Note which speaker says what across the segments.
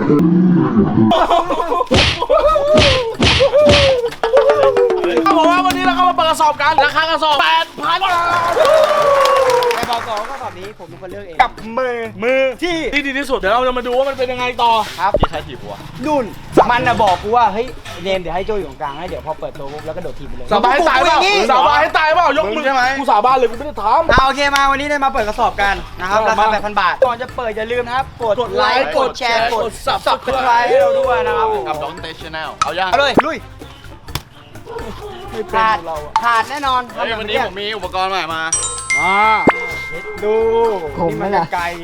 Speaker 1: เขาบอกว่าวันนี้เราเข้ามาเปิดกระสอบกันราคากระสอบ 8,000 บาท
Speaker 2: ไอ้บอก2ก็แบบนี้ผมเป็นคนเลือกเองกับ
Speaker 1: มือที่ดีที่สุดเดี๋ยวเราจะมาดูว่ามันเป็นยังไงต่อ
Speaker 2: ครับ
Speaker 3: ที่ใครถีบหัว
Speaker 2: นุ่นมันน่ะบอกกูว่าเฮ้ยเนมเดี๋ยวให้โจอยู่ตรงกลางให้เดี๋ยวพอเปิดตัวปุ๊บแล้วก็โดดทีมไปเลย
Speaker 1: สาบานให้ตายเปล่าสาบานให้ตายเปล่ายกมือใช่ไหมกูสาบานเลยกูไม่ได้ทำ
Speaker 2: โอเคมาวันนี้ได้มาเปิดกระสอบกันนะครับราคา 8,000 บาทก่อนจะเปิดอย่าลืมนะครับกดไลค์กดแชร์กด Subscribe ให้เราด้วยนะครับ
Speaker 3: กับน้องเตชแนลเอายัง
Speaker 2: เลยลุยขาดแน่นอน
Speaker 3: วันนี้ผมมีอุปกรณ์ใหม่มา
Speaker 2: ดูนี่มันไกล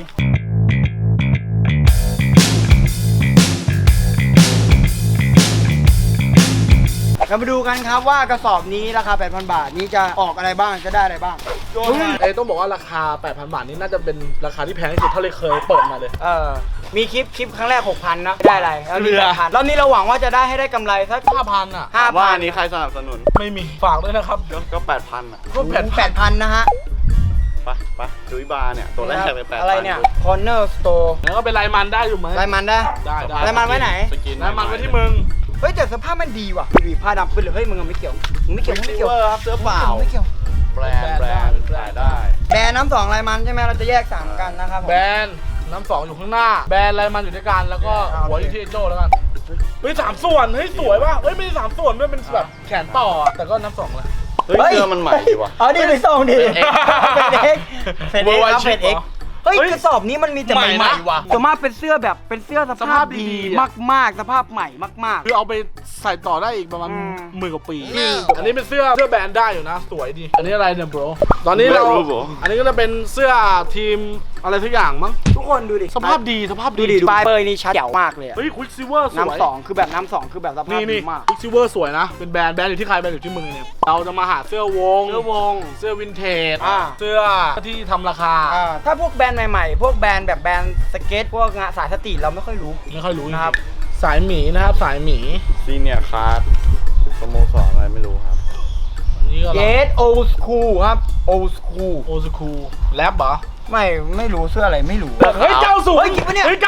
Speaker 2: เรามาดูกันครับว่ากระสอบนี้ราคา 8,000 บาทนี้จะออกอะไรบ้างจะได้อะไรบ้าง
Speaker 1: ต้องบอกว่าราคา 8,000 บาทนี้น่าจะเป็นราคาที่แพงที่สุดเท่าที่เคยเปิดมาเลย
Speaker 2: มีคลิปครั้งแรก 6,000 นะได้อะไรแล้วนี่ 8,000 รอบนี้เราหวังว่าจะได้ให้ได้กำไรสัก
Speaker 1: 5,000 อ่ะ
Speaker 3: ว่าอันนี้ใครสนับสนุน
Speaker 1: ไม่มีฝากด้วยนะครับ
Speaker 3: ก็ 8,000 อ่ะ
Speaker 1: ก็
Speaker 2: 8,000 นะฮะ
Speaker 3: ไปจุ้ยบาร์เนี่ยตัวแรกเลย 8,000
Speaker 2: อะไรเนี่ย Corner Store
Speaker 1: แล้วก็เป็นลายมันได้อยู่ไหม
Speaker 2: ลายมันได้ลายมันไว้ไหน
Speaker 1: ลายมันไว้ที่มึง
Speaker 2: เฮ้ยแต่สภาพมันดีว่ะดีผ้าดำขึ้นเลยเฮ้ยมึงไม่เกี่ยวไม่เกี่ยว
Speaker 3: ครับเสื้อเปล่า
Speaker 2: ไม่เกี่ยว
Speaker 3: แบรนด์ได้
Speaker 2: แบรนด์น้ำ2ลายมันใช่ไหมเราจะแยก3กันนะครับ
Speaker 1: แบรนด์น้ำ2อยู่ข้างหน้าแบรนด์ลายมันอยู่ด้วยกันแล้วก็หัวอยู่ที่โจ้แล้วกันเฮ้ย3 ส่วนเฮ้ยสวยป่ะเฮ้ยไม่ใช่3 ส่วนด้วยเป็นแบบแขนต่อแต่ก็น้ำ2เลย
Speaker 3: เฮ้ยเสื้อมันใหม่ดีว่ะ
Speaker 2: ดีไปส่งดิเป็นเอ็กเฮ้ยกระสอบนี้มันมีแต่ใหม่ๆว่ะส่วนมากเป็นเสื้อแบบเป็นเสื้อสภาพดีมากๆสภาพใหม่มาก
Speaker 1: ๆคือเอาไปใส่ต่อได้อีกประมาณ10,000 กว่าปีอันนี้เป็นเสื้อแบรนด์ได้อยู่นะสวยดีอันนี้อะไรเนี่ย bro ตอนนี้เราอันนี้ก็จะเป็นเสื้อทีมอะไรทุกอย่างมั้ง
Speaker 2: ทุกคนดูดิ
Speaker 1: สภาพดีดู
Speaker 2: ปลายเปยนี่ชัดเจ๋วมากเลย
Speaker 1: เฮ้ยควิกซิเวอร์สวย
Speaker 2: น้ำ2คือแบบน้ำ2คือแบบสภาพดีมาก
Speaker 1: ควิกซิเวอร์สวยนะเป็นแบรนด์อยู่ที่ใครแบรนด์อยู่ที่มึงเนี่ยเราจะมาหาเสื้อวงเสื้อวินเทจเสื้อที่ทำราคา
Speaker 2: ถ้าพวกแบรนด์ใหม่ๆพวกแบรนด์แบบแบรนด์สเก็ตพวกงานสายสตรีทเราไม่ค่อยรู้
Speaker 1: นะครับสายหมีนะครับสายหมี
Speaker 3: ซีเนียร์คาร์ดสโมสรอะไรไม่รู้ครับ
Speaker 1: นี่ก็
Speaker 2: เยสโอสคูลครับโอสคูล
Speaker 1: แรปเหรอ
Speaker 2: ไม่รู้เสื้ออะไรไม่รู้
Speaker 1: เฮ้ย90เฮ้ย90เฮ้ย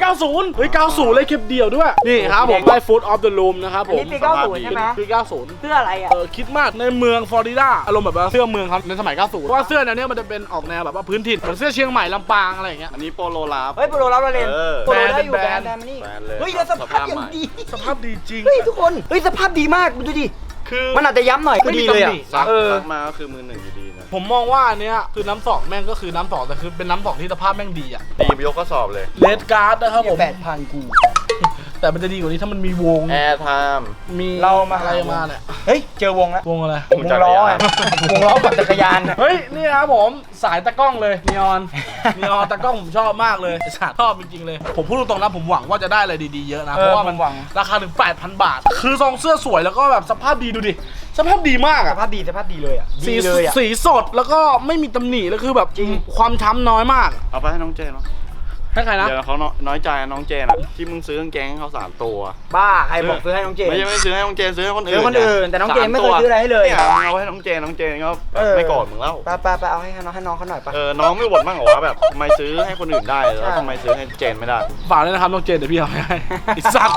Speaker 1: 90เลยเก็บเดี่ยวด้วยนี่ครับผมได้ Foot of the Loom นะครับผม
Speaker 2: นี่ปี90ใช่ไหม
Speaker 1: ปี90
Speaker 2: เสื้ออะไรอ่ะ
Speaker 1: คิดมากในเมืองฟลอริดาอารมณ์แบบว่าเสื้อเมืองครับในสมัย90เพราะว่าเสื้อแนวนี้มันจะเป็นออกแนวแบบว่าพื้นถิ่นเหมือนเสื้อเชียงใหม่ลำปางอะไรอย่างเงี้ย
Speaker 3: อันนี้โปโลลาฟ
Speaker 2: เฮ้ยโปโลลาฟเราเล่นโปโลได้อยู่แบรนด์นี่เฮ้ยแล้วสภาพยังดี
Speaker 1: สภาพดีจริง
Speaker 2: เฮ้ยทุกคนเฮ้ยสภาพดีมากดูดิ
Speaker 1: คือ
Speaker 2: มันอาจจะย้ำหน่อยก็ดีเลยอ่ะ
Speaker 3: ซักมาก็คือมือ1อยู่ดีนะ
Speaker 1: ผมมองว่าอันเนี้ยคือน้ำ2แม่งก็คือน้ำ2แต่คือเป็นน้ำ2ที่สภาพแม่งดีอ่ะ
Speaker 3: ดีไปยกข้อสอบเลย
Speaker 1: เลดการ์ดนะครับผม
Speaker 2: 8,000 กู
Speaker 1: แต่มันจะดีกว่านี้ถ้ามันมีวง
Speaker 3: แอร์ไทม์
Speaker 1: มี
Speaker 2: เรามา
Speaker 1: อะไรมาเนี่ย
Speaker 2: เฮ้ยเจอวงแล้ว
Speaker 1: วงอะไร
Speaker 2: วงล้อปั่นจักรยาน
Speaker 1: เฮ้ยนี่ครับผมสายตะกล้องเลยนีออนตะกล้องผมชอบมากเลยชอบจริงๆเลยผมพูดตรงๆนะผมหวังว่าจะได้อะไรดีๆเยอะนะเพราะว่ามันราคาถึง 8,000 บาทคือซองเสื้อสวยแล้วก็แบบสภาพดีดูดิสภาพดีมากอะ
Speaker 2: สภาพดีเลยอะ
Speaker 1: สีสดแล้วก็ไม่มีตำหนิแล้วคือแบบความช้ำน้อยมาก
Speaker 3: เอาไปให้น้องเจนเนาะ
Speaker 1: ให้ใครนะ
Speaker 3: เดี๋ยวเขาน้อยใจน้องเจนอะที่มึงซื้อกางเกงให้เขา3 ตัว
Speaker 2: บ้าใครบอกซื้อให้น้องเจน
Speaker 3: ไม่ซื้อให้น้องเจนซื้อให้คนอื่
Speaker 2: นแต่น้องเจนไม่เคยซื้ออะไรให้เลย
Speaker 3: เอาให้น้องเจนก็ไม่โกรธมึงแล้ว
Speaker 2: ไปเอาให้น้องเขาหน่อยปะ
Speaker 3: น้องไม่บ่นบ้างเหรอว่าแบบทำไมซื้อให้คนอื่นได้แล้วทำไมซื้อให้เจนไม่ได้
Speaker 1: ฝากเลยนะครับน้องเจนเดี๋ยวพี่เอาให้ไอ้สัตว์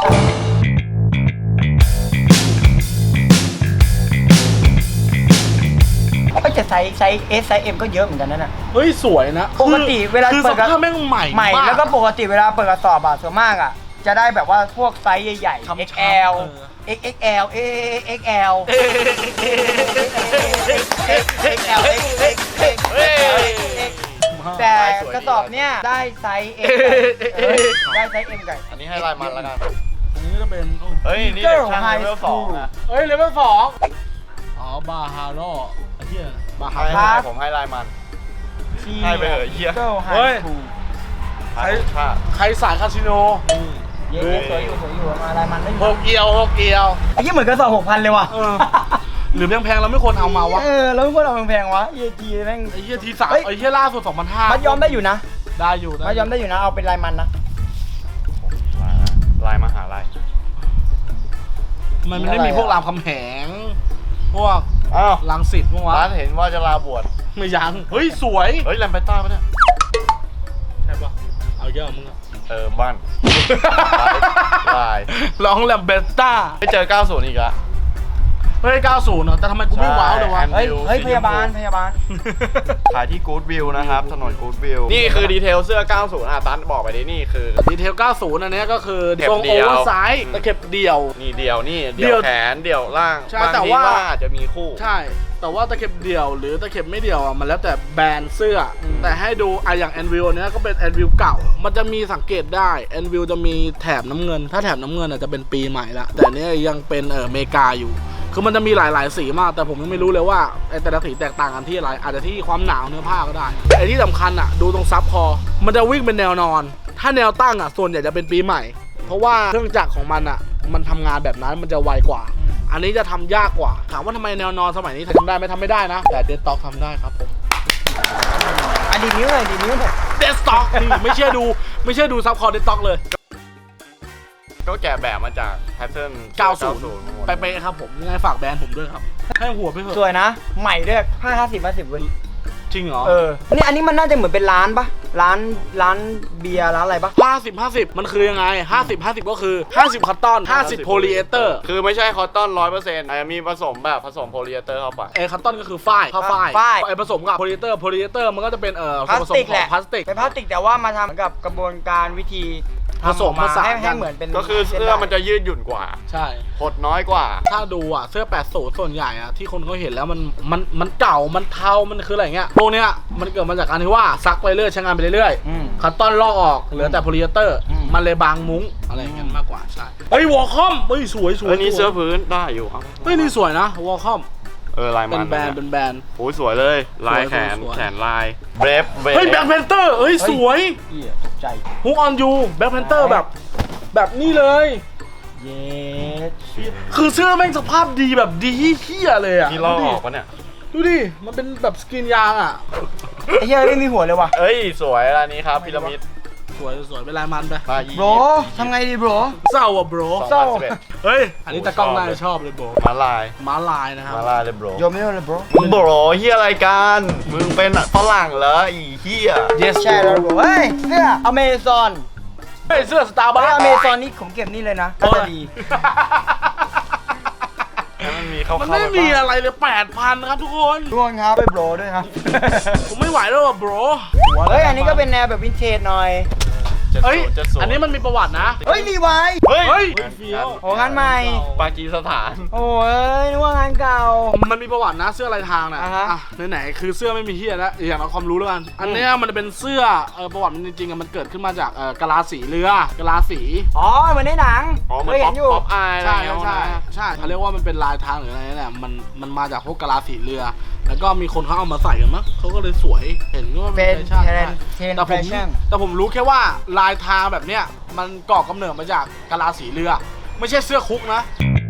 Speaker 2: ก็จะไซส์ S ไซส์ M ก็เยอะเหมือนกันนั่นน่ะ
Speaker 1: เฮ้ยสวยนะ
Speaker 2: ปกติเวลา
Speaker 1: เปิดกระสอบแม่งใหม่
Speaker 2: แล้วก็ปกติเวลาเปิดกระสอบอะส่วนมากอะจะได้แบบว่าพวกไซส์ใหญ่ๆ XL XXL XXL แต่กระสอบเนี้ยได้ไซส์ M ได้ไซส์ M กัน
Speaker 3: อันนี้ให้ลายมันแล้วกัน
Speaker 1: อันนี้จะเป็น
Speaker 3: เฮ้ยนี่ช่างเลเวล2นะ
Speaker 1: เฮ้ยเลเวล2บาฮาโร่ไอ้เหี้ย
Speaker 3: บาฮาโร่ผมให้ลายมันให้ไปเหอะเหี้ย
Speaker 1: เฮ้ยใครสายคาสิโน
Speaker 2: เย้สวยอยู่มาลายมันได้
Speaker 1: 6 เอียว
Speaker 2: ไอ้เหี้ยเหมือนกระสอบ 6,000 เลยว่ะ
Speaker 1: หรือแพงเราไม่ควรเอามาวะ
Speaker 2: เราไม่ควรเอาแพงวะทีแม่ง
Speaker 1: ไอ้เหี้ยที3ไอ้เหี้ยล่าสุด 2,500
Speaker 2: มัดย้อมได้อยู่นะ
Speaker 1: ได้อยู่
Speaker 2: มัดย้อมได้อยู่นะเอาเป็นลายมันนะ
Speaker 3: ลายมหาลัย
Speaker 1: มันไม่มีพวกรามคำแหงพวกลังสิตเมื่อวาน
Speaker 3: ร้านเห็นว่าจะลาบวช
Speaker 1: ไม่ยังเฮ้ยสวย
Speaker 3: เฮ้ยแลมไปต้าปะเนี่ย
Speaker 1: ใช่ปะเอาเยอะมึงอะ
Speaker 3: บ้านลาย
Speaker 1: ร้องแลมเบสต้า
Speaker 3: ไม่เจอ 90 อีกละ
Speaker 1: เฮ้ย90เนอะแต่ทำไมกูไม่ว้าวเลยวะ
Speaker 2: เฮ้ยพยาบาล
Speaker 3: ขายที่กู๊ดวิวนะครับถนนกู๊ดวิวนี่คือดีเทลเสื้อ 90ตันบอกไปดินี่คือ
Speaker 1: ดีเทล 90 อันเนี้ยก็คือ
Speaker 3: เข็บ
Speaker 1: ทรง
Speaker 3: เดี่
Speaker 1: โอ
Speaker 3: ยว
Speaker 1: เวอร์ไซส์ตะเข็บเดี่ยว
Speaker 3: นี่เดี่ยวนี่
Speaker 1: เดี่
Speaker 3: เดี่
Speaker 1: ย
Speaker 3: ยว วแขนเดี่ยวล่าง
Speaker 1: ใช่
Speaker 3: บาง
Speaker 1: แต่
Speaker 3: ที
Speaker 1: ว่า
Speaker 3: ว่าอาจจะมีคู่
Speaker 1: ใช่ แต่ว่าตะเข็บเดี่ยวหรือตะเข็บไม่เดี่ยวอ่ะมันแล้วแต่แบรนด์เสื้ออแต่ให้ดูอย่างแอนวิลเนี้ยก็เป็นแอนวิลเก่า มันจะมีสังเกตได้แอนวิลจะมีแถบน้ำเงิน ถ้าแถบน้ำเงินอ่ะจะเป็นปีใหม่ละแต่เนี้ยยังเป็นอเมริกาอยู่ คือมันจะมีหลายๆสีมาก แต่ผมยังไม่รู้เลยว่าไอ้แต่ละสีแตกต่างกันที่อะไร อาจจะที่ความหนาวเนื้อผ้าก็ได้ไอ้ที่สำคัญอ่ะดูตรงซับคอมันจะวิ่งเป็นแนวนอน ถ้าแนวตั้งอ่ะส่วนใหญ่จะเป็นปีใหม่ เพราะว่าเครื่องจักรของมันอ่ะมันทำงานแบบนั้นมันจะไวกว่า อันนี้จะทำยากกว่า ถามว่าทำไมแนวนอนสมัยนี้ทำได้ไหมทำไม่ได้นะ แต่เดสต็อกทำได้ครับผม
Speaker 2: ดีนิ้วหน่อย
Speaker 1: เดสต็อกนี่ไม่เชื่อดูซับคอเดสต็อกเลย
Speaker 3: ก็แกะแบบมาจากแพทเทิร์น
Speaker 1: 90 ไปๆครับผมยังไงฝากแบรนด์ผมด้วยครับ ให้หัวไปเถ
Speaker 2: ส
Speaker 1: อะ
Speaker 2: วยนะ ใหม่ด้วย50เว้ย
Speaker 1: จริงเหรอ
Speaker 2: นี่อันนี้มันน่าจะเหมือนเป็นร้านปะร้านเบียร์ร้านอะไรปะ
Speaker 1: 50 มันคือยังไง 50 ก็คือ 50 คอตตอน 50 โพลีเอสเตอร์
Speaker 3: คือไม่ใช่คอตตอน 100%อาจจะมีผสมแบบผสมโพลีเอสเตอร์เข้าไป
Speaker 1: คอตตอนก็คือฝ้ายผ้าฝ้าย
Speaker 2: ฝ้าย
Speaker 1: ไอ้ผสมกับโพลีเอสเตอร์มันก็จะเป็น
Speaker 2: พลา
Speaker 1: ส่วนผ
Speaker 2: ส
Speaker 1: สม
Speaker 2: ติก
Speaker 1: ข
Speaker 2: แห
Speaker 1: อง
Speaker 2: ละ
Speaker 1: พลาสติก
Speaker 2: เป็นพลาสติกแต่ว่ามาทำเหมือนกับกระบวนการวิธี
Speaker 1: ผสมผสาน
Speaker 2: ให้เหมือนเป็น
Speaker 3: ก็คือเสื้อมันจะยืดหยุ่นกว่า
Speaker 1: ใช่
Speaker 3: หดน้อยกว่า
Speaker 1: ถ้าดูอ่ะเสื้อ80ส่วนใหญ่อ่ะที่คนเขาเห็นแล้วมันเก่ามันเทามันคืออะไรเงี้ยพวกเนี้ยมันเกิดมาจากการที่ว่าซักไปเรื่อยใช้งานไปเรื่อยคัตตอนลอกออกเหลือแต่โพลีเอสเตอร์มันเลยบางมุ้งอะไรอย่างเงี้ยมากกว่าใช่เฮ้ยวอลคอมเฮ้ยสวย
Speaker 3: อันนี้เสื้อพื้นได้อยู่ครับ
Speaker 1: เฮ้ยนี่สวยนะวอลคอม
Speaker 3: ลาย
Speaker 1: เป็
Speaker 3: มัน
Speaker 1: แบรนด์เป็นแบรนด์
Speaker 3: โอ้ยสวยเลย ลายแขน
Speaker 1: สวย
Speaker 3: แขนลายเบรฟ
Speaker 1: เฮ้ยแบ็คแพนเตอร์เฮ้ยสวย
Speaker 2: เหี้ยตกใจ
Speaker 1: ฮุกออนยูแบ็คแพนเตอร์แบบนี้เลย
Speaker 2: เย็ด
Speaker 1: คือเสื้อแม่งสภาพดีแบบดีเฮี้ยเลยอ่ะ
Speaker 3: นี่ลอกออกปะเนี่ย
Speaker 1: ดูดิมันเป็นแบบสกรีนยางอ่ะ
Speaker 2: ไอ้เหี้ยไม่มีหัวเลยว่ะ
Speaker 3: เอ้ยสวยร้านนี้ครับพีระมิด
Speaker 1: สวยเป็นลายมันไป
Speaker 3: ลายอี
Speaker 2: โบรทำไงดีโบร
Speaker 1: เศร้าอ่ะโบร
Speaker 2: เศร้า
Speaker 1: เฮ้ยอันนี้ตากล้องน่าจะชอบเลยโบร
Speaker 3: มาลาย
Speaker 1: ม้าลายนะครับ
Speaker 3: มาลายเลยโบร
Speaker 2: โยมไม่รู้เลยโบร
Speaker 3: มึงโบรเฮียอะไรกันมึงเป็นฝรั่งเหรออีเฮีย
Speaker 1: yes
Speaker 2: ใช่แล้วโบรเฮ้ยเสื้ออเมซอน
Speaker 1: เฮ้ยเสื้อสตาร์บัค
Speaker 2: อเมซอนนี่ผมเก็บนี่เลยนะน่าจะดี
Speaker 3: แล้วมันมีเข้า
Speaker 1: มัน
Speaker 3: เข้า
Speaker 1: ไม่มีอะไรเลย 8,000 ครับทุกคน
Speaker 2: ทุกคนครับไปโบรด้วยครับ
Speaker 1: ผมไม่ไหวแล้วอ่ะโบร
Speaker 2: เฮ้ยอันนี้ก็เป็นแนวแบบวินเทจหน่อย
Speaker 1: เฮ้ย
Speaker 3: 70
Speaker 1: อันนี้มันมีประวัตินะ
Speaker 2: เฮ้ยรีไวาย
Speaker 3: เฮ้ย
Speaker 1: เฮ้ยเฟี้ยว
Speaker 2: โอ้งานใหม่
Speaker 3: ปากีสถาน
Speaker 2: โอ้ยนึกว่างานเก่า
Speaker 1: มันมีประวัตินะเสื้อลายทางนะ
Speaker 2: อ่าฮะ
Speaker 1: อ่ะไหนๆคือเสื้อไม่มีเฮียแล้วอย่างเอาความรู้แล้วกัน อันเนี้ยมันเป็นเสื้อประวัติมันจริงๆอะมันเกิดขึ้นมาจากกะลาสีเรือกะลาสี
Speaker 2: อ๋อเหมือนในหนัง
Speaker 3: อ๋อมัน
Speaker 2: เคยเห็นอยู่
Speaker 3: ป๊อปอายอะไร
Speaker 1: ใช่
Speaker 3: เงี้ย
Speaker 1: ใช่ใช่เขาเรียกว่ามันเป็นลายทางหรืออะไรนี่แหละมันมาจากพวกกะลาสีเรือ แล้วก็มีคนเขาเอามาใส่กันมั้งเขาก็เลยสวยเห็นว่า
Speaker 2: เป็น
Speaker 1: แฟชั่น
Speaker 2: เทรน
Speaker 1: ใช่
Speaker 2: ด์แฟชั่น
Speaker 1: แต่ผมรู้แค่ว่าลายทางแบบเนี้ยมันก่อกำเนิดมาจากกะลาสีเรือ ไม่ใช่เสื้อคุกนะ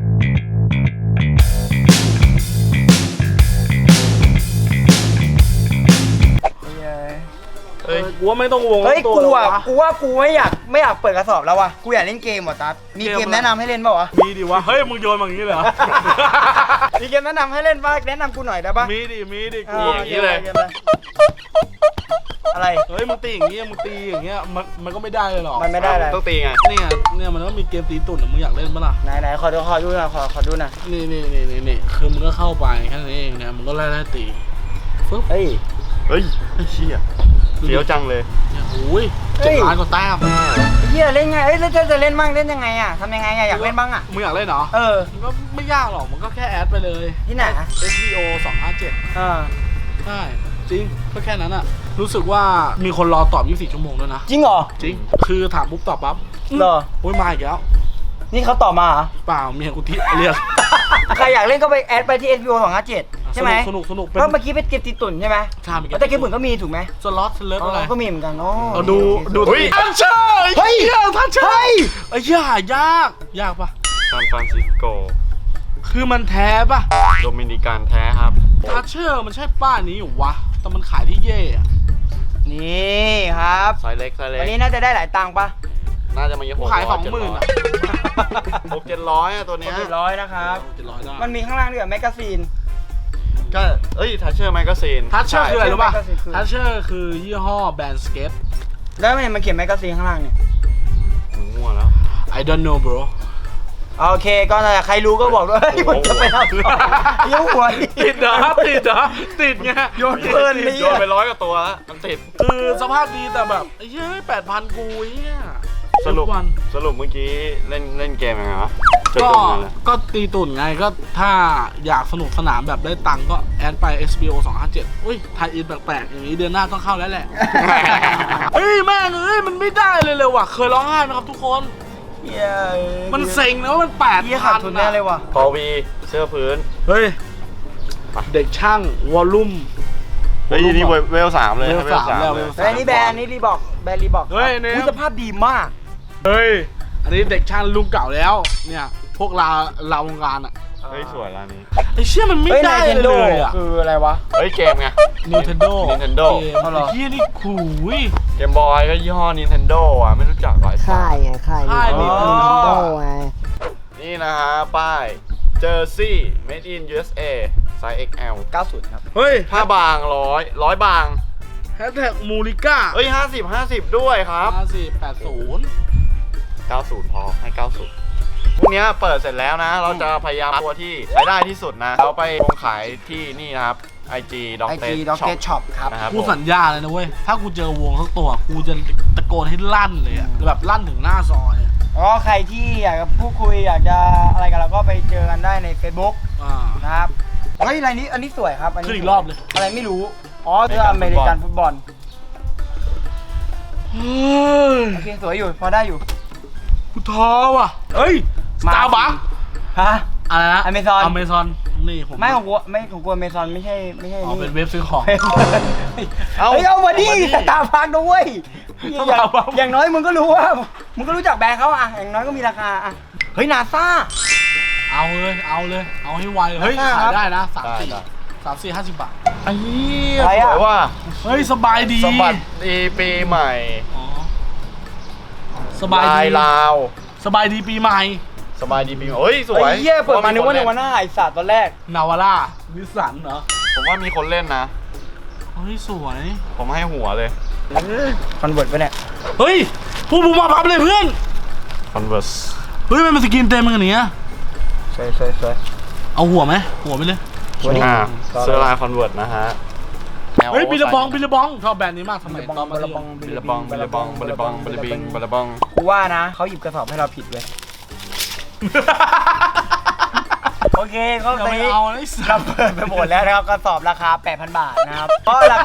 Speaker 3: เฮ้ย
Speaker 1: กูว่าไม่ต้องวง
Speaker 2: เฮ้ย
Speaker 1: ตัว
Speaker 2: กู
Speaker 1: หรอก
Speaker 2: อ่ะ
Speaker 1: วะ
Speaker 2: กูว่ากูไม่อยากเปิดกระสอบแล้วว่ะกูอยากเล่นเกมว่ะตั๊ดมีเกมแนะนำให้เล่นเปล่าวะ
Speaker 1: มีดิวะ เฮ้ย มึงโยนมาอย่างนี้เลยเหรอ
Speaker 2: มีเกมแนะนำให้เล่นป่ะแนะนำกูหน่อยได้ป่ะ
Speaker 1: มีดิกู
Speaker 3: อย่างนี้เลย
Speaker 2: กมอะไร
Speaker 1: เฮ้ย มึงตีอย่างเงี้ยมันก็ไม่ได้เลยหรอก
Speaker 2: มันไม่ได้อะไร
Speaker 3: ต้องตีไง
Speaker 1: เนี่ยมันก็มีเกมตีตุ่นอะมึงอยากเล่นปะล่ะ
Speaker 2: ไหนขอดูหน่อยขอดูหน่อย
Speaker 1: นี่คือมึงก็เข้าไปแค่นั้นเองนะมึงก็ไล่ตีฟึ๊บ
Speaker 2: เฮ้ย
Speaker 3: เฮ้ยไอ้เชี่ยเฟี้ยวจังเลย
Speaker 1: เนี่ยโอ้ย
Speaker 2: เฮ้ย
Speaker 1: 7 ล้านกว่าแต้ม
Speaker 2: เฮียเล่นไงเอ้ยแล้วจะเล่นบ้างเล่นยังไงอ่ะทำยังไงอ่ะอยากเล่นบ้างอ่ะ
Speaker 1: มึงอยากเล่นเหรอ
Speaker 2: เออ
Speaker 1: มันก็ไม่ยากหรอกมันก็แค่แอดไปเลย
Speaker 2: ที่ไหน
Speaker 1: SBO 257
Speaker 2: เออ
Speaker 1: ใช่จริงก็แค่นั้นอะรู้สึกว่ามีคนรอตอบ 24 ชั่วโมงด้วยนะ
Speaker 2: จริงเหรอ
Speaker 1: จริง คือถามปุ๊บตอบปั๊บ
Speaker 2: เหรอ
Speaker 1: โอ้ยมาอีกแล้ว
Speaker 2: นี่เขาตอบมาเหรอ
Speaker 1: เปล่าเมียกูที่เรียก
Speaker 2: ใครอยากเล่นก็ไปแอดไปที่ SBO 257ใช่ไหม
Speaker 1: สนุก
Speaker 2: เพราะเมื่อกี้เป็นเกมตีตุ่นใช่ไหม
Speaker 1: ใช่เมื่อกี้
Speaker 2: แต่เกมตุ่นก็มีถูกไหม
Speaker 1: สล็อตสเลิฟอะไร
Speaker 2: ก็มีเหมือนกันโอ้
Speaker 1: เอาดู
Speaker 3: เฮ้ย
Speaker 1: ทันเชอร์
Speaker 2: เฮ้ย
Speaker 1: ทันเชอร์
Speaker 2: เฮ้ย
Speaker 1: ไอ้เหี้ยหายากปะ
Speaker 3: ซานฟรานซิสโก
Speaker 1: คือมันแท้ปะ
Speaker 3: โดมินิกันแท้ครับ
Speaker 1: ทันเชอร์มันใช่ป้านี้อยู่วะแต่มันขายที่เย่อะ
Speaker 2: นี่ครับ
Speaker 3: ไซส์เล็กไซส์เล็
Speaker 2: วัน
Speaker 3: ก
Speaker 2: นี้น่าจะได้หลายตังค์ปะ
Speaker 3: น่าจะมา
Speaker 1: กูขาย 20,000 อะ
Speaker 3: 600-700อะตัวเนี้ย
Speaker 2: 700นะครับ
Speaker 1: 700ได้
Speaker 2: มันมีข้างล่างด้วยแมกกาซีน
Speaker 3: ก็เอ้ยทัชเชอร์แมกกาซีน
Speaker 1: ทัชเชอร์คืออะไรรู้ป่ะ
Speaker 2: ใช่
Speaker 1: ทัชเชอร์คือยี่ห้อแบรนด์สเก็ต
Speaker 2: แล้วมันเขียนแมกกาซีนข้างล่างเนี่ย
Speaker 3: มั่วแล้ว
Speaker 1: I don't know bro
Speaker 2: โอเคก็นั่นแหละใครรู้ก็บอกด้วยเฮ้ยมันจะไปทำต่อยิ้วหัวดิ
Speaker 1: ติดเหรอติดไง
Speaker 2: โยนเพลินนี่
Speaker 3: โดนไป100 กว่าตัวแล้วมันติด
Speaker 1: คือสภาพดีแต่แบบไอ้เฮ้ย8,000กูเฮีย
Speaker 3: สรุป
Speaker 1: วัน
Speaker 3: เมื่อกี้เล่นเกมยังไงวะจน
Speaker 1: ก็
Speaker 3: จบกันเลย
Speaker 1: ก็ตีตุ่นไงก็ถ้าอยากสนุกสนานแบบได้ตังค์ก็แอดไป SBO 257อุ้ยไทยอินแปลกๆอย่างนี้เดือนหน้าต้องเข้าแล้วแหละ เฮ้ยแม่งเอ้ยมันไม่ได้เลยว่ะเคยร้องไห้ไหมครับทุกคน
Speaker 2: เหี้ย
Speaker 1: มันเซ็งนะว่ามัน8,000
Speaker 2: เหี้ยขาดทุนแน่เลยว่ะ
Speaker 3: พอวีเสื้อพื้น
Speaker 1: เฮ้ยเด็กช่างวอลลุ่ม
Speaker 3: เฮ้ยนี่เวล 3เลย
Speaker 1: เวล3แล้ว
Speaker 3: เลย
Speaker 2: เฮ้ยนี่แบรนด์นี่รีบอกแบรนด์รีบอก
Speaker 1: เฮ้ยเนี่ย
Speaker 2: สภาพดีมาก
Speaker 1: เฮ้ยอันนี้เด็กช่างรุ่นเก่าแล้วเนี่ยพวกเราวงการอ่ะ
Speaker 3: เฮ้ยสวยร้านนี้
Speaker 1: ไอ้เชี่ยมันไม่
Speaker 2: เฮ้ย
Speaker 1: ได้
Speaker 2: Nintendo
Speaker 1: เลยอ่ะ
Speaker 2: คืออะไรวะ
Speaker 3: เฮ้ยเกมไง
Speaker 1: Nintendo
Speaker 3: Nintendo
Speaker 1: เกม
Speaker 2: เอาเหรอ
Speaker 1: ไอ้เชี่ยนี่ขู่ย
Speaker 3: เกมบอยก็ยี่ห้อ Nintendo อ่ะไม่รู้จักหรอไอ้สัส
Speaker 4: ค่ายไงค่าย
Speaker 1: ค่าย
Speaker 4: Nintendo ไง
Speaker 3: นี่นะฮะป้าย Jersey Made in USA ไซส์ XL
Speaker 2: 90ครับ
Speaker 1: เฮ้ย
Speaker 3: ผ้าบาง100บาง
Speaker 1: แฮชแท็กมูริก้า
Speaker 3: เอ้ย50ด้วยครับ
Speaker 1: 5480
Speaker 3: 90 พอให้ 90พรุ่งนี้เปิดเสร็จแล้วนะ เราจะพยายามตัวที่ใช้ได้ที่สุดนะ เราไปลงขายที่นี่นะครับ IG
Speaker 2: IG Doctor Shop ครับ
Speaker 3: นะครับ
Speaker 1: กูสัญญาเลยนะเว้ย ถ้ากูเจอวงสักตัว กูจะตะโกนให้ลั่นเลยอะแบบลั่นถึงหน้าซอยอะ
Speaker 2: ก็ใครที่อยากจะพูดคุยอยากจะอะไรกันเราก็ไปเจอกันได้ใน Facebook
Speaker 1: อ่า
Speaker 2: นะครับเฮ้ยอะไรนี้อันนี้สวยครับอันนี้
Speaker 1: ขึ้นอีกรอบเลย
Speaker 2: อะไรไม่รู้อ๋อเสื้ออเมริกันฟุตบอล
Speaker 1: เฮ้ย
Speaker 2: โอเคสวยอยู่พอได้อยู่
Speaker 1: กูท้อว่ะ เฮ้ยสตาร์บัค
Speaker 2: ฮะ
Speaker 1: อะไรนะ
Speaker 2: Amazon
Speaker 1: อเมซอนนี่ผม
Speaker 2: ไม่ของกูไม่ของกูอเมซอนไม่ใช่
Speaker 1: อ๋อ
Speaker 2: นี่
Speaker 1: เป็นเว็บซื้อของ
Speaker 2: เฮ้ยเอามาดิสตาร์บัคด้วยอย่าง
Speaker 1: Starbucks
Speaker 2: อย่างน้อยมึงก็รู้ว่ามึงก็รู้จักแบรนด์เขาอะอย่างน้อยก็มีราคาอะเฮ้ยนาซา
Speaker 1: เอาเลย เอาให้ไวเลยเฮ้ย
Speaker 2: ราคา
Speaker 1: ขายได้นะ
Speaker 3: ได้
Speaker 1: 50 บาทไอ้เหี้ย
Speaker 2: อะไร
Speaker 3: ส
Speaker 2: อะ
Speaker 3: วยว่า
Speaker 1: เฮ้ยสบายดี
Speaker 3: สมบัติดีปีใหม่
Speaker 1: อ๋อสบาย
Speaker 3: ลาย
Speaker 1: ดี
Speaker 3: ลาว
Speaker 1: สบายดีปีใหม่
Speaker 3: สบายดีปีใหม่เฮ้ยสวย
Speaker 2: ไอ้เหี้ยเปิดมานึกว่าในวันหน้าไอสัตว์ตอนแรก
Speaker 1: นาวาร่านิสสันเหรอ
Speaker 3: ผมว่ามีคนเล่นนะ
Speaker 1: เฮ้ยสวย
Speaker 3: ผมให้หัวเลย
Speaker 2: คอนเวิร์ตไปเนี่ย
Speaker 1: เฮ้ยพูดบุมาพับเลยเพื่อน
Speaker 3: Converse
Speaker 1: เฮ้ยมันเป็นสกินเต็มมันกันเนี้ย
Speaker 2: สวย
Speaker 1: เอาหัวไหมหัวไปเลย
Speaker 3: อ่าเสื้อลาย Converse นะฮะ
Speaker 1: เฮ้ยบิลลบองชอบแบรนด์นี้มากสมัยตอนมัธยม
Speaker 3: บิลลบองบิลลบองบิลลบองบิลลบิงบิลลบอง
Speaker 2: กูว่านะเขาหยิบกระสอบให้เราผิดเลย โอเคก็
Speaker 1: อย่า
Speaker 2: ไป
Speaker 1: ไปเอาไอ้สั
Speaker 2: เรา
Speaker 1: ตว์
Speaker 2: เปิดไปหมดแล้วนะครับกระสอบราคา 8,000 บาทนะครับก็หลัก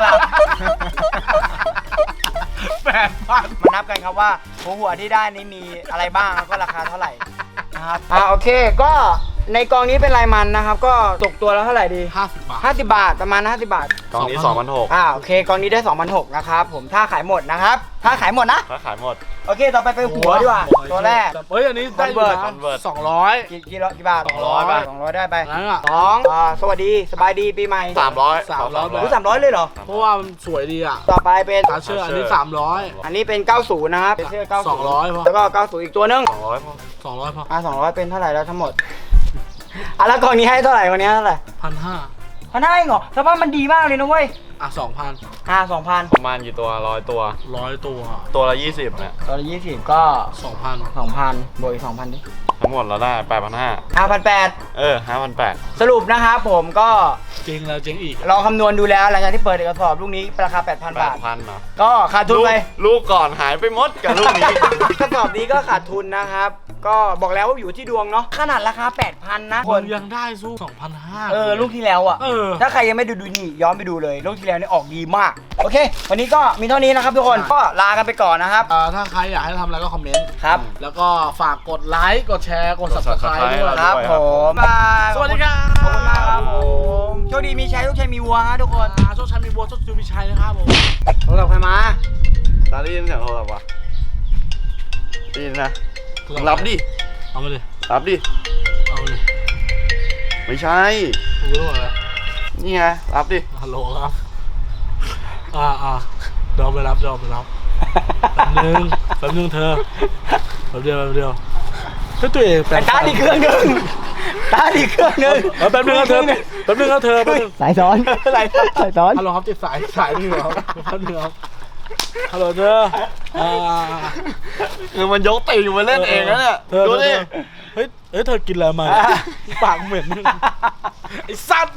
Speaker 1: 8,000
Speaker 2: ๆ มานับกันครับว่าหัวที่ได้นี้มีอะไรบ้างแล้วก็ราคาเท่าไหร่นะครับโอเคก็ในกองนี้เป็นลายมันนะครับ ก็ตกตัวแล้วเท่าไหร่ดี
Speaker 1: 50 บาท
Speaker 2: 50 บาทประมาณ50 บาท
Speaker 3: กล่องนี้
Speaker 2: โอเคกองนี้ได้2,600นะครับผมถ้าขายหมดนะครับถ้าขายหมดนะ
Speaker 3: 2,600ถ้าขายหมด
Speaker 2: โอเคต่อไปไปหัวดีกว่าตัวแรก
Speaker 1: เฮ้ยอันนี้ได้อยู่นะ
Speaker 3: Convert
Speaker 1: 200
Speaker 2: กี่บาท
Speaker 3: 200 บาท
Speaker 2: 200ได้ไป
Speaker 1: นั่นอ่ะ
Speaker 2: สวัสดีสบายดีปีใหม่
Speaker 3: 300
Speaker 1: 300
Speaker 2: รู้300เลยเหรอ
Speaker 1: เพราะว่ามันสวยดีอ่ะ
Speaker 2: ต่อไปเป็น
Speaker 1: ตาเชื่ออันนี้300
Speaker 2: อันนี้เป็น 90 นะครับเป็นเสื้อ90
Speaker 1: 200พอ
Speaker 2: แล้วก็ 90 อีกตัวนึง
Speaker 3: 200พอ
Speaker 1: 200พอ
Speaker 2: 200 เป็นเท่าไหร่แล้วทั้งหมดแล้วกองนี้ให้เท่าไหร่วันนี้เท่าไหร่
Speaker 1: 1,500
Speaker 2: พันห้าเองเหรอสภาพมันดีมากเลยนะเว้ย
Speaker 1: อ่ะ 2,000
Speaker 2: 2,000
Speaker 3: ประมาณกี่ตัว100ตัว
Speaker 1: 100 ตัว
Speaker 3: ตัวละ20เนี่ย
Speaker 2: ตัวละ20 ก็
Speaker 1: 2,000
Speaker 2: 2,000บวกอีก 2,000 ดิ
Speaker 3: ทั้งหมดเราได้ 8,500
Speaker 2: 5,800
Speaker 3: 5,800
Speaker 2: สรุปนะครับผมก็
Speaker 1: เจ๊งแล้วเจ๊งอีก
Speaker 2: ลองคำนวณดูแล้วหลังจากที่เปิดเอกสอบลูกนี้ราคา 8,000 บาท
Speaker 3: 8,000เนาะ
Speaker 2: ก็ขาดทุนไป
Speaker 3: ลูกก่อนหายไปหมดกับลูกนี้
Speaker 2: กระสอบนี้ก็ขาดทุนนะครับ ก็บอกแล้วว่าอยู่ที่ดวงเนาะขนาดราคา 8,000 นะ
Speaker 1: คนยังได้สู้ 2,500
Speaker 2: ลูกที่แล้วอ่ะ
Speaker 1: เออ
Speaker 2: ถ้าใครยังไม่ดูนี่ย้อนไปดูเลยลูกที่แล้วนี่ออกดีมาก โอเค วันนี้ก็มีเท่านี้นะครับทุกคนก็ลากันไปก่อนนะครับ
Speaker 1: ถ้าใครอยากให้ทำอะไรก็คอมเมนต์
Speaker 2: ครับ
Speaker 1: แล้วก็ฝากกดไลค์ กดแชร์ กด subscribe ด้วย
Speaker 2: ครับผมบาย
Speaker 1: สวัสดีครับ
Speaker 2: ขอบคุณมากครับผมโชคดีมีชัยทุกชัยมีวัวฮะทุกคน
Speaker 1: โชคชัยมีบัวโชคจูมีชัยนะครับผม
Speaker 2: โทรศัพท์ใครมา
Speaker 3: ตาได้ยินเสียงโทรศัพท์วะได้ยินนะรับดิ
Speaker 1: เอามาเลย
Speaker 3: รับดิ
Speaker 1: เอามาเลย
Speaker 3: ไม่ใช่
Speaker 1: ผมรู้แล้ว
Speaker 3: นี่ไง รับดิ
Speaker 1: ฮัลโหลครับเดี๋ยวไปรับแป๊บนึงเธอแป๊บเดียวเฮ้ยตัวเองแปล
Speaker 2: ไอ้ตาดีเครื่องหนึ่งตาดีเครื่องหนึ่ง
Speaker 1: แป๊บนึงครับเธอแป๊บนึง
Speaker 4: สายซ้อน
Speaker 2: อะไร
Speaker 4: สายซ้อน
Speaker 1: ฮัลโหลครับติดสายนี่เหรอแป๊บนึงครับฮัลโหลเธอ
Speaker 3: คือมันยกตีนมาเล่นเองนะเนี่ยดูดิ
Speaker 1: เฮ้ยเธอกินอะไรมาปากเหม็นไอ้สัตว์